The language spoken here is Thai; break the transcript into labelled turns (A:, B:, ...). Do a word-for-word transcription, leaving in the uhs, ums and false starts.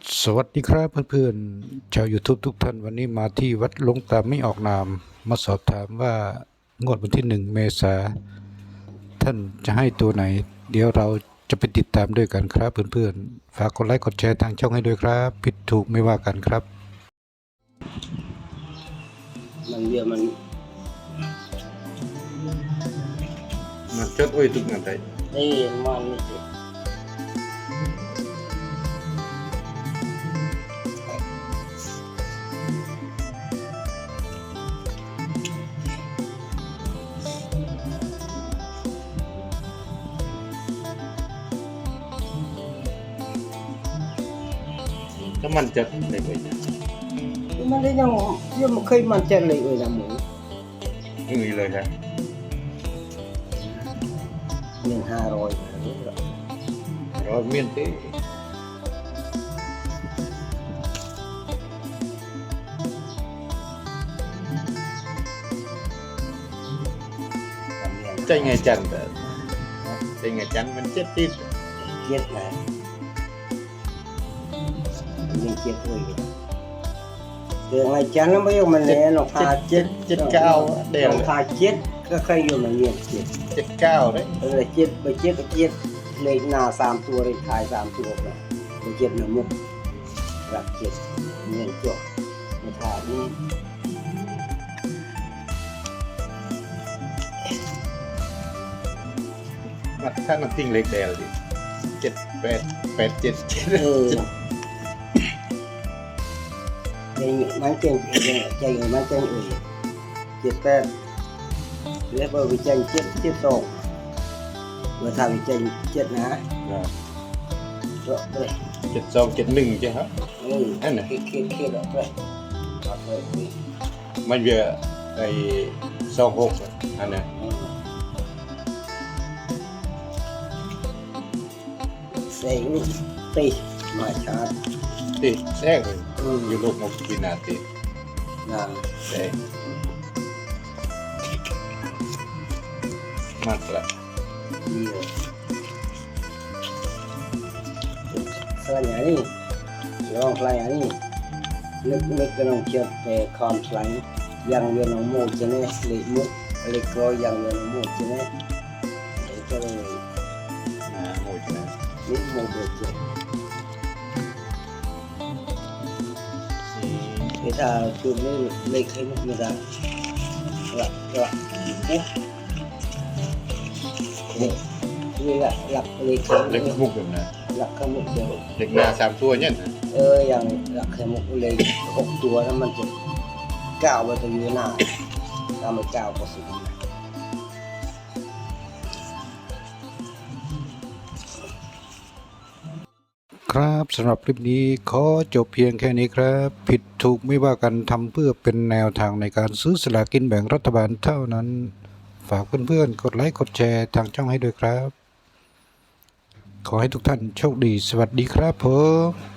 A: สวัสดีครับเพื่อนๆชาว YouTube ทุกท่านวันนี้มาที่วัดหลวงตาไม่ออกนามมาสอบถามว่างวดวันที่หนึ่งเมษาท่านจะให้ตัวไหน เดี๋ยวเราจะไปติดตามด้วยกันครับเพื่อนๆฝากกดไลค์กดแชร์ทางช่องให้ด้วยครับผิดถูกไม่ว่ากันครับ
B: มันเยอะมัน
C: มันจดไว้ทุกนาที
B: นี่มันนี่สิ
C: ถ้ามันจดได้ไว้นะ
B: มันได้ยังยังไม่เคยมันจะเลยเลยนะหมู
C: ไม่มีเลยครับ
B: หนึ่งห้าร้อย
C: ร้อยเมียนตีใจไงจันแต่ใจไงจันมันเจ็ดติด
B: เจ็ดนะยังเจ็ดเลยเดี๋ยวไงจันแล้วไม่ยอมมันแน่หรอกพาเจ็ด
C: เจ็ดเก้าเดี๋ยว
B: พาเจ็ดก็เคยอยู่มันเงียบเจ็ด
C: เจ็ดเก้าเลย
B: เออเจ็ดไปเจ็ดไปเจ็ดเลยหน้าสามตัวเลยถ่ายสามตัวเลยไปเจ็ดหน้ามุกรักเจ็ดเงียบจบมาถ่ายนี่
C: มันถ้ามันติ้งเล็กเดียวดิเจ็ดแปดแปดเจ็ดเจ็ด
B: เออใจมันเก่งใจมันเก่งเอ่ยเจ็ดแปดเรียกว่าวิจัยเจ็ดเจ็ดสองเมื่อทำวิจัยเจ็ดนะก็เลย
C: เจ็ดสองเจ็ดหนึ่งใช่ไหม
B: เออนั่นแหละเครียดเครียดแล้วเลย
C: มันเยอะไอ้สองหกอันนี้
B: เสียงตีมาชาร์จ
C: ตีแทรกเลยอยู่ลูกหกกินาตี
B: นะ
C: แทรกมากละ
B: ดีเลยสลายนี่ลองสลายนี่นึกนึกกันลองเชื่อไปคอนสลายยังเวียนองโมจะเนี่ยเล็กมุกเล็กรอยยังเวียนองโมจะเนี่ยเด็กก็เลย
C: นะโมจะเนี่ย
B: นิดโมเด็กจะเวลาจุดนี้เล็กให้มุกไม่ได้หลักหลักมุกนี่แหละหลักเล็ก
C: เล็กมุกแบบนั้น
B: หลักขมุกเดียว
C: เล็กหน้าสามตัวเนี่ยนะ
B: เอออย่างหลักขมุกเลยหกตัวแล้วมันจะก้าวไปตรงนี้หน้าถ้าไม่ก้าวก็สุด
A: ครับสำหรับคลิปนี้ขอจบเพียงแค่นี้ครับผิดถูกไม่ว่ากันทำเพื่อเป็นแนวทางในการซื้อสลากกินแบ่งรัฐบาลเท่านั้นฝากเพื่อนๆกดไลค์กดแชร์ทางช่องให้ด้วยครับขอให้ทุกท่านโชคดีสวัสดีครับผม